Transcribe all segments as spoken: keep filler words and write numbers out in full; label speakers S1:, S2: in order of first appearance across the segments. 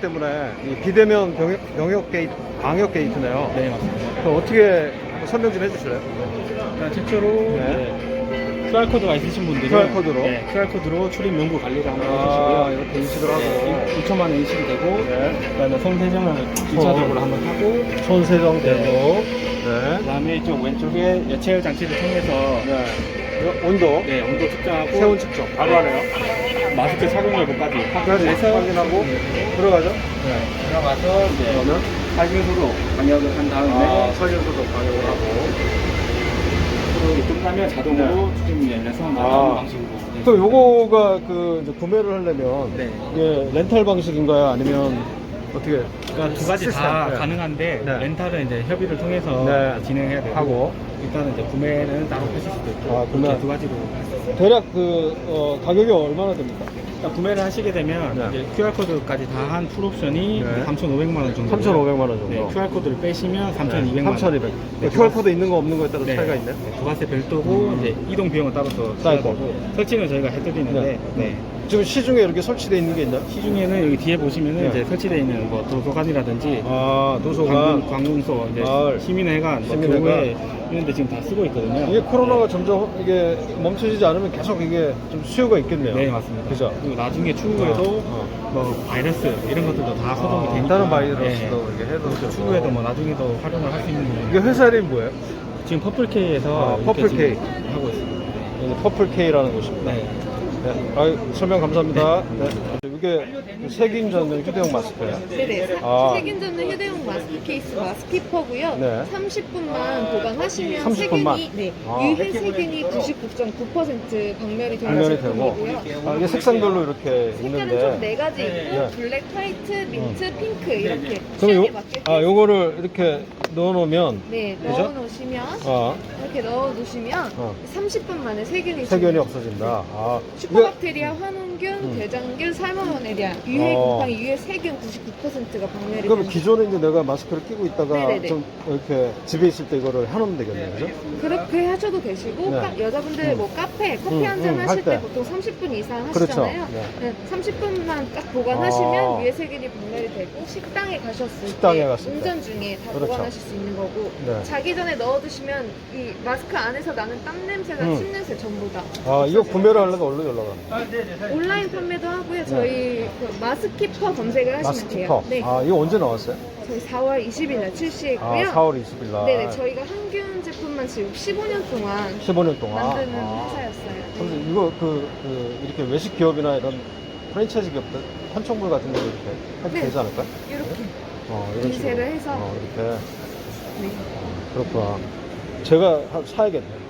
S1: 때문에 이 비대면 병역, 병역 게이트, 방역 게이트네요.
S2: 네, 맞습니다.
S1: 그럼 어떻게 설명 좀 해주실래요?
S2: 일단 최초로
S1: 네.
S2: 네, 큐알코드가 있으신 분들은
S1: 큐알코드로?
S2: 네, 큐알코드로 출입 명부 관리를 한번
S1: 아,
S2: 해주시고요.
S1: 이렇게 인식을 하고.
S2: 네, 이 초만에 인식이 되고
S1: 네.
S2: 그다음에 손 세정을 이 차적으로 한번 하고
S1: 손 세정되고. 네.
S2: 그다음에 이쪽 왼쪽에 여체열 장치를 통해서
S1: 네. 이거 온도.
S2: 네, 온도 측정하고
S1: 체온 측정. 바로 하네요.
S2: 마스크 착용 여부까지 확인해서
S1: 확인하고 들어가죠.
S2: 네, 들어가서 이제
S1: 그러면
S2: 살균소로 방역을 한 다음에
S1: 아, 설계소도 방역을 하고.
S2: 이렇게 끝나면 자동으로
S1: 네.
S2: 출입문이 열려서
S1: 아.
S2: 나가는 방식으로. 네.
S1: 그럼 요거가 그 이제 구매를 하려면
S2: 네.
S1: 이게 렌탈 방식인가요? 아니면 어떻게?
S2: 그러니까 두 가지
S1: 시스템,
S2: 다
S1: 네.
S2: 가능한데
S1: 네.
S2: 렌탈은 이제 협의를 통해서
S1: 네.
S2: 진행해야 되고
S1: 하고.
S2: 일단은 이제 구매는 따로 하실 수도 있고
S1: 아, 구매.
S2: 이렇게 두 가지로 할 수 있어요.
S1: 대략 그 어, 가격이 얼마나 됩니까?
S2: 그러니까 구매를 하시게 되면
S1: 네.
S2: 이제 큐알코드까지 다 한 풀옵션이
S1: 네.
S2: 삼천오백만 원 정도.
S1: 삼천오백만 원 정도.
S2: 네, 큐알코드를 빼시면 삼천이백만 원.
S1: 삼천이백.
S2: 네,
S1: 큐알코드 있는 거 없는 거에 따라
S2: 네.
S1: 차이가 있네.
S2: 네, 부가세 별도고
S1: 음.
S2: 이제 이동 비용은 따로 더
S1: 따로.
S2: 되고 설치는 저희가 해드리는데
S1: 네.
S2: 네.
S1: 지금 시중에 이렇게 설치되어 있는 게 있나요?
S2: 시중에는 여기 뒤에 보시면은
S1: 네.
S2: 이제 설치되어 있는 뭐 도서관이라든지
S1: 아, 도서관.
S2: 관공, 관공서, 이제
S1: 마을.
S2: 시민회관, 뭐
S1: 시민회관.
S2: 교회 이런 데 지금 다 쓰고 있거든요.
S1: 이게 코로나가 점점 이게 멈춰지지 않으면 계속 이게 좀 수요가 있겠네요.
S2: 네, 맞습니다.
S1: 그죠?
S2: 그리고 나중에 추후에도
S1: 어,
S2: 뭐 바이러스 이런 것들도 다 소독이
S1: 아,
S2: 되니까
S1: 다른 바이러스도
S2: 네.
S1: 이렇게 해도 되고.
S2: 추후에도 뭐 나중에도 활용을 할 수 있는
S1: 이게
S2: 부분이
S1: 회사 이름이 뭐예요?
S2: 지금 퍼플K에서
S1: 아, 퍼플K.
S2: 하고 있습니다.
S1: 여기 퍼플K라는 곳입니다.
S2: 네.
S1: 네. 아유, 설명 감사합니다. 네. 이게 세균 전용 휴대용 마스크예요.
S3: 네네. 사-
S1: 아.
S3: 세균 잡는 휴대용 마스크 케이스 마스키퍼고요.
S1: 네.
S3: 삼십 분만 보관하시면
S1: 삼십 분만?
S3: 세균이 네,
S1: 아.
S3: 유해 세균이 구십구 점 구 퍼센트 박멸이 되는
S1: 당면이 되고.
S3: 제품이고요.
S1: 아, 이게 색상별로 이렇게
S3: 색깔은
S1: 있는데.
S3: 좀 네 가지 있고
S1: 네.
S3: 블랙, 화이트, 민트, 핑크 이렇게
S1: 그럼
S3: 취향에
S1: 요,
S3: 맞게
S1: 아, 요거를 이렇게 넣어놓으면.
S3: 네,
S1: 그죠?
S3: 넣어 놓으시면
S1: 아,
S3: 이렇게 넣어 놓으시면
S1: 어.
S3: 삼십 분 만에 세균이
S1: 세균이
S3: 지워져요.
S1: 없어진다. 아, 이거,
S3: 슈퍼박테리아, 환원균,
S1: 음.
S3: 대장균, 살모넬리아, 유해
S1: 어.
S3: 곰팡이, 유해 세균 구십구 퍼센트가 박멸이
S1: 그럼
S3: 되는
S1: 기존에 이제 내가 마스크를 끼고 있다가
S3: 네네네.
S1: 좀 이렇게 집에 있을 때 이거를 해놓으면 되겠네요. 그죠?
S3: 그렇게 하셔도 되시고
S1: 네.
S3: 카- 여자분들
S1: 음.
S3: 뭐 카페 커피
S1: 음,
S3: 한잔
S1: 음,
S3: 하실
S1: 할
S3: 때
S1: 때.
S3: 보통 삼십 분 이상
S1: 그렇죠.
S3: 하시잖아요.
S1: 네.
S3: 네, 삼십 분만 딱 보관하시면
S1: 아.
S3: 위에 세균이 분멸이 되고 식당에 가셨을
S1: 식당에
S3: 때
S1: 갔을 때.
S3: 운전 중에 다
S1: 그렇죠.
S3: 보관하실 수 있는 거고
S1: 네.
S3: 자기 전에 넣어두시면 이 마스크 안에서 나는 땀 냄새가
S1: 음.
S3: 침 냄새 전부 다
S1: 아, 이거 구매를 하려면 어디로 연락하나?
S3: 온라인 판매도 하고요. 저희 그 마스키퍼 검색을 하시면
S1: 마스키퍼.
S3: 돼요. 네,
S1: 아, 이거 언제 나왔어요?
S3: 저희 사월 이십일 날 출시했고요.
S1: 아, 사월 이십일 날.
S3: 네네, 저희가 항균 제품만 지금 십오 년 동안
S1: 십오 년 동안.
S3: 만드는
S1: 아.
S3: 회사였어요.
S1: 그래서 이거 그, 그 이렇게 외식 기업이나 이런 프랜차이즈 기업들 판촉물 같은 거 이렇게 해도
S3: 네.
S1: 되지 않을까?
S3: 이렇게
S1: 어, 이런 식으로.
S3: 인쇄를 해서.
S1: 어, 이렇게.
S3: 네.
S1: 어, 그렇구나. 제가 하- 사야겠네.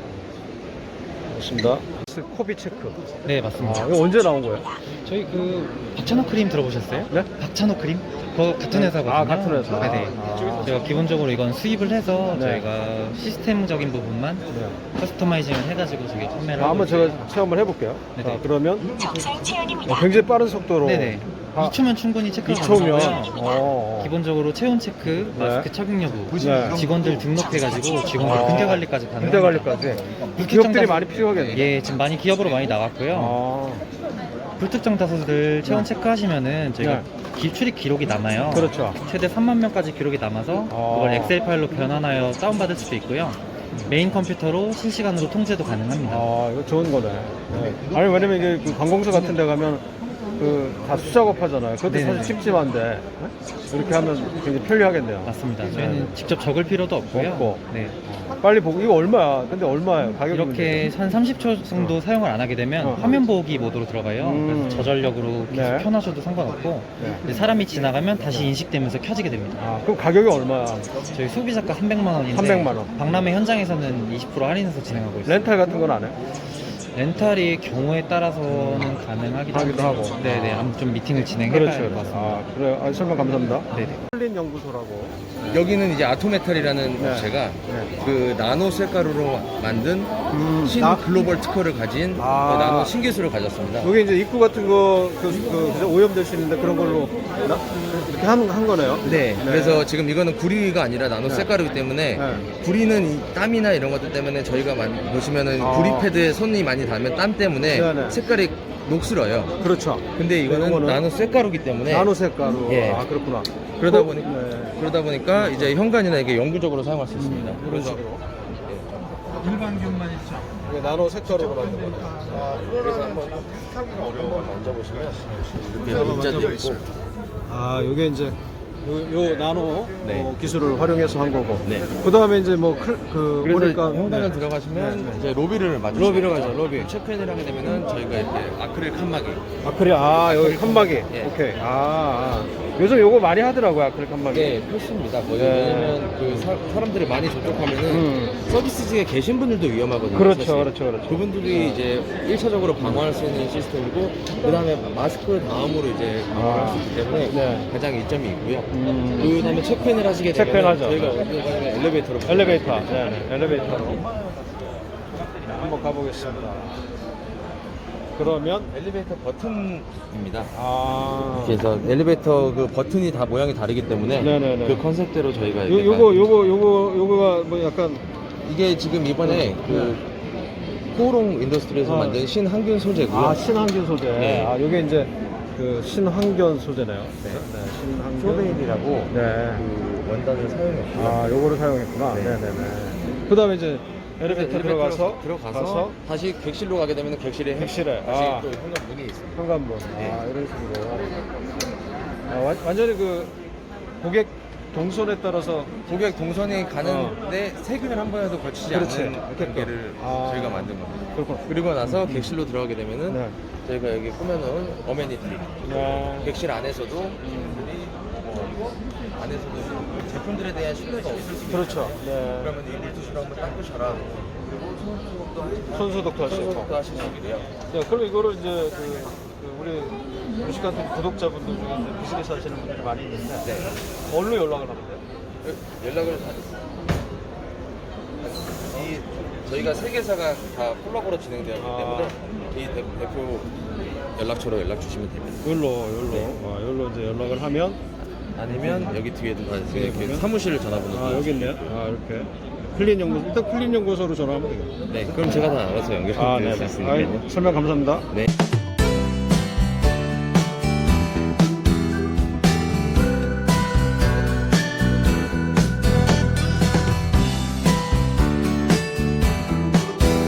S1: 맞습니다. 코비 체크.
S4: 네,
S1: 아,
S4: 맞습니다.
S1: 이거 언제 나온 거예요?
S4: 저희 그 박찬호 크림 들어보셨어요?
S1: 네?
S4: 박찬호 크림? 그거 같은
S1: 네.
S4: 회사거든요.
S1: 아, 같은 회사.
S4: 네네.
S1: 아.
S4: 제가 기본적으로 이건 수입을 해서
S1: 네.
S4: 저희가 시스템적인 부분만
S1: 네.
S4: 커스터마이징을 해가지고 저기 판매를
S1: 아,
S4: 하고
S1: 한번
S4: 있어요.
S1: 제가 체험을 해볼게요.
S4: 네네.
S1: 자, 그러면 어, 굉장히 빠른 속도로.
S4: 네네.
S1: 아,
S4: 이 초면 충분히 체크가
S1: 이 초면.
S4: 가능하고요.
S1: 어, 어.
S4: 기본적으로 체온 체크, 마스크 착용 여부,
S1: 네.
S4: 직원들 등록해가지고 직원들
S1: 아.
S4: 군대 관리까지 가능합니다.
S1: 군대 관리까지. 그 기업들이 많이 필요하겠네요.
S4: 예, 지금 많이 기업으로 많이 나왔고요.
S1: 아,
S4: 불특정 다수들 체온 체크하시면은 저희가
S1: 네.
S4: 기, 출입 기록이 남아요.
S1: 그렇죠.
S4: 최대 삼만 명까지 기록이 남아서
S1: 아.
S4: 그걸 엑셀 파일로 변환하여 다운받을 수도 있고요. 메인 컴퓨터로 실시간으로 통제도 가능합니다.
S1: 아, 이거 좋은 거네. 네. 아니, 왜냐면 이게 그 관공서 같은 데 가면 그 다 수작업 하잖아요. 그것도
S4: 네네.
S1: 사실 찜찜한데 네? 이렇게 하면 굉장히 편리하겠네요.
S4: 맞습니다.
S1: 네.
S4: 저희는 직접 적을 필요도 없고요.
S1: 없고.
S4: 네.
S1: 빨리 보고 이거 얼마야? 근데 얼마예요? 가격이
S4: 이렇게 한 삼십 초 정도 사용을 안 하게 되면
S1: 어.
S4: 화면 보기 모드로 들어가요.
S1: 음.
S4: 그래서 저전력으로 계속
S1: 네.
S4: 켜놔셔도 상관없고
S1: 네.
S4: 근데 사람이 지나가면 다시 인식되면서 켜지게 됩니다.
S1: 아, 그럼 가격이 얼마야?
S4: 저희 소비자가 삼백만 원인데
S1: 삼백만 원.
S4: 박람회 현장에서는 이십 퍼센트 할인해서 진행하고 있어요.
S1: 렌탈 같은 건 안 해?
S4: 렌탈이 경우에 따라서는 가능하기도
S1: 하기도 하고.
S4: 네네. 아무튼 좀 미팅을 진행해
S1: 그렇죠.
S4: 봐야 될 것 같습니다.
S1: 아, 그래. 아, 설명 감사합니다.
S4: 네네.
S1: 콜린 연구소라고.
S5: 여기는 이제 아토메탈이라는
S1: 네.
S5: 업체가
S1: 네.
S5: 그 나노 셀가루로 만든
S1: 음,
S5: 신
S1: 나-
S5: 글로벌 특허를 가진
S1: 아.
S5: 그 나노 신기술을 가졌습니다.
S1: 여기 이제 입구 같은 거, 그, 그, 그죠? 오염될 수 있는데 그런 걸로, 나? 이렇게 이렇게 한, 한 거네요.
S5: 네, 그래서 지금 이거는 구리가 아니라 나노
S1: 네.
S5: 셀가루이기 때문에
S1: 네.
S5: 구리는 이 땀이나 이런 것들 때문에 저희가 많이 보시면은
S1: 아.
S5: 구리 패드에 손이 많이 닿으면 땀 때문에
S1: 네, 네.
S5: 색깔이 녹슬어요.
S1: 그렇죠.
S5: 근데 이거는
S1: 이거는
S5: 나노 셀가루이기 때문에
S1: 나노 색가루.
S5: 예.
S1: 아, 그렇구나.
S5: 그러다
S1: 어,
S5: 보니
S1: 네.
S5: 그러다 보니까 이제 현관이나 이게 영구적으로 사용할 수 있습니다.
S1: 이런
S5: 그래서
S1: 식으로.
S2: 일반균만 있죠.
S1: 이게 나노 색가루로 만든 거네. 아,
S5: 그래서 한번 한번 만져보시면 이렇게 문자도 있고
S1: 아, 요게 이제 요, 요 나노
S5: 네.
S1: 어, 기술을 활용해서 한 거고.
S5: 네.
S1: 그 다음에 이제 뭐, 클, 그,
S5: 그래서
S1: 보니까.
S5: 현관을
S1: 네.
S5: 들어가시면
S1: 네, 네.
S5: 이제 로비를 맞으
S1: 로비로 가죠, 로비.
S5: 체크인을 하게 되면은 저희가 이렇게 아크릴 칸막이
S1: 아크릴, 아, 여기 칸막이.
S5: 예.
S1: 오케이. 아, 아. 요즘 요거 많이 하더라고요, 아크릴 칸막이.
S5: 네, 필수입니다. 거의
S1: 네.
S5: 왜냐면 그 사, 사람들이 많이 접촉하면은
S1: 음.
S5: 서비스직에 계신 분들도 위험하거든요.
S1: 그렇죠,
S5: 사실.
S1: 그렇죠, 그렇죠.
S5: 그분들이 이제 일 차적으로 방어할 수 있는 시스템이고 그 다음에 마스크 다음으로 이제 방어할 수 있기 때문에
S1: 네.
S5: 가장 이점이 있고요.
S1: 음.
S5: 그 다음에 체크인을 하시게 되면
S1: 체크인하죠.
S5: 저희가 어디로 가면 엘리베이터로
S1: 엘리베이터. 네, 네. 엘리베이터로. 한번 가보겠습니다. 그러면,
S5: 엘리베이터 버튼입니다.
S1: 아.
S5: 그래서 엘리베이터 그 버튼이 다 모양이 다르기 때문에
S1: 네네네.
S5: 그 컨셉대로 저희가
S1: 요,
S5: 이렇게
S1: 요거,
S5: 다-
S1: 요거, 요거, 요거가 뭐 약간.
S5: 이게 지금 이번에 그 코오롱 인더스트리에서
S1: 아.
S5: 만든 신항균 소재고요.
S1: 아, 신항균 소재.
S5: 네.
S1: 아, 요게 이제 그 신항균 소재네요. 네. 신항균.
S5: 쇼베일이라고
S1: 네.
S5: 그 원단을 사용했고요.
S1: 아, 요거를 사용했구나.
S5: 네.
S1: 네, 네, 네. 그 다음에 이제 엘리베이터 들어가서,
S5: 들어가서
S1: 가서
S5: 다시 객실로 가게 되면 객실에
S1: 객실에.
S5: 다시
S1: 아.
S5: 또 현관 문이 있어요.
S1: 현관문.
S5: 네.
S1: 아, 이런 식으로. 아, 완, 완전히 그 고객 동선에 따라서
S5: 고객 동선이 가는데 세균을 한 번에도 거치지
S1: 어. 그렇지.
S5: 않는
S1: 이렇게
S5: 관계를
S1: 아.
S5: 저희가 만든 겁니다.
S1: 그렇구나.
S5: 그리고 나서 객실로 들어가게 되면은
S1: 네.
S5: 저희가 여기 꾸며놓은 어메니티
S1: 네.
S5: 객실 안에서도 분들이 뭐 안에서도 제품들에 대한 신뢰가 없을 수 있어요.
S1: 그렇죠. 네.
S5: 그러면 이 물티슈로 한번 닦으셔라. 그리고 손소독도 하시고
S1: 손소독도 하시고.
S5: 손소독도 하실 수 있고요.
S1: 네, 그럼 이거를 이제 그, 그 우리 무식 같은 구독자분들 중에 이제 비즈니스 하시는 분들이 많이 있는데
S5: 네.
S1: 어디로 연락을 하면 돼요?
S5: 연락을 다- 이 저희가 세 개사가 다 콜라보로 진행되었기
S1: 아.
S5: 때문에 이 대, 대표 연락처로 연락 주시면 됩니다.
S1: 여기로, 여기로. 아, 여기로 이제 연락을 하면
S5: 아니면 여기 뒤에도 다
S1: 뒤에
S5: 이렇게
S1: 보면?
S5: 사무실 전화번호.
S1: 아, 여기 있네요. 아, 이렇게. 클린 연구소, 일단 클린 연구소로 전화하면 되겠네요.
S5: 네, 그럼 제가 다 알아서 연결해
S1: 아,
S5: 드릴
S1: 네.
S5: 수
S1: 네.
S5: 있으니까요.
S1: 아이, 설명 감사합니다.
S5: 네.